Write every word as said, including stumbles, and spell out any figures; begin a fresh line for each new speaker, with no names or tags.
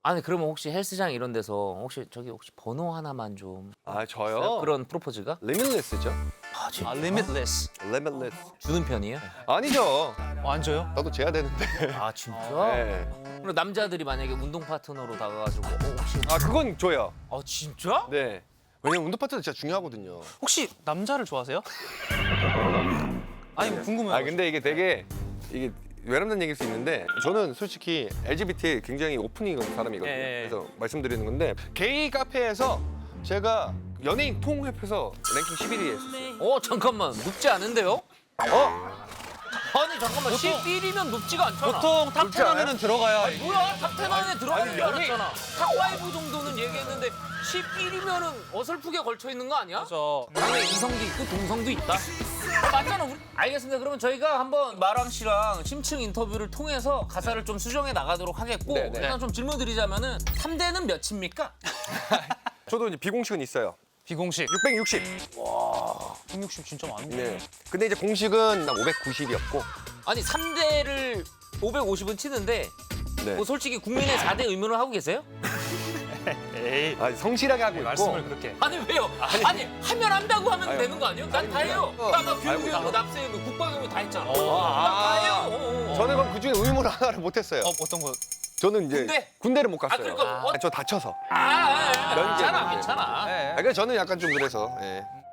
아니 그러면 혹시 헬스장 이런 데서 혹시 저기 혹시 번호 하나만 좀
아 저요?
그런 프로포즈가?
리밋리스죠.
아, 진짜?
아, limitless.
리밋리스.
주는 편이에요?
아니죠.
어, 안 줘요?
나도 재야 되는데.
아 진짜?
네.
그리고 남자들이 만약에 운동 파트너로 다가가지고 어, 혹시
아 그건 줘요.
아 진짜?
네. 왜냐면 운동 파트너 진짜 중요하거든요.
혹시 남자를 좋아하세요? 아니 궁금해요.
아 근데 이게 되게 이게 외람된 얘기일 수 있는데 저는 솔직히 엘지비티에 굉장히 오프닝 사람이거든요.
예, 예.
그래서 말씀드리는 건데 게이 카페에서 제가 연예인 통합해서 랭킹 십일 위 했었어요.
어 잠깐만 높지 않은데요?
어?
아니 잠깐만 십일이면 높지가 않잖아.
보통 탑
그렇지
텐
않아요?
안에는 들어가야
뭐야 탑텐 안에 들어가는
아니,
줄
연예인-
알았잖아. 탑오 정도는 얘기했는데 십일이면은 어설프게 걸쳐 있는 거 아니야?
맞아.
당연히 이성도 있고 동성도 있다. 아, 맞잖아. 우리. 알겠습니다. 그러면 저희가 한번 마람 씨랑 심층 인터뷰를 통해서 가사를 좀 수정해 나가도록 하겠고
네, 네.
일단 좀 질문 드리자면은 삼 대는 몇입니까?
저도 이제 비공식은 있어요.
비공식.
육백육십.
백육십 진짜 많은데.
네. 근데 이제 공식은 난 오백구십이었고.
아니 삼 대를 오백오십은 치는데
네.
뭐 솔직히 국민의 사 대 의무를 하고 계세요?
에이.
아, 성실하게 하고 있고.
말씀을 그렇게.
아니 왜요? 아니, 하면 한다고 하면
아니,
되는 거 아니에요? 난 다 해요.
어.
나나
알고
교육교육,
있어.
납세의무, 국방의무 다 했잖아.
어.
나다
아.
해요. 어, 어, 어.
저는 그럼 그중에 의무를 하나를 못했어요.
어, 어떤 거?
저는 이제
군대?
군대를 못
아
갔어요.
그러니까 어,
아, 저 다쳐서.
아, 아, 아,
면제.
괜찮아, 괜찮아.
예.
아, 그래서 저는 약간 좀 그래서. 예.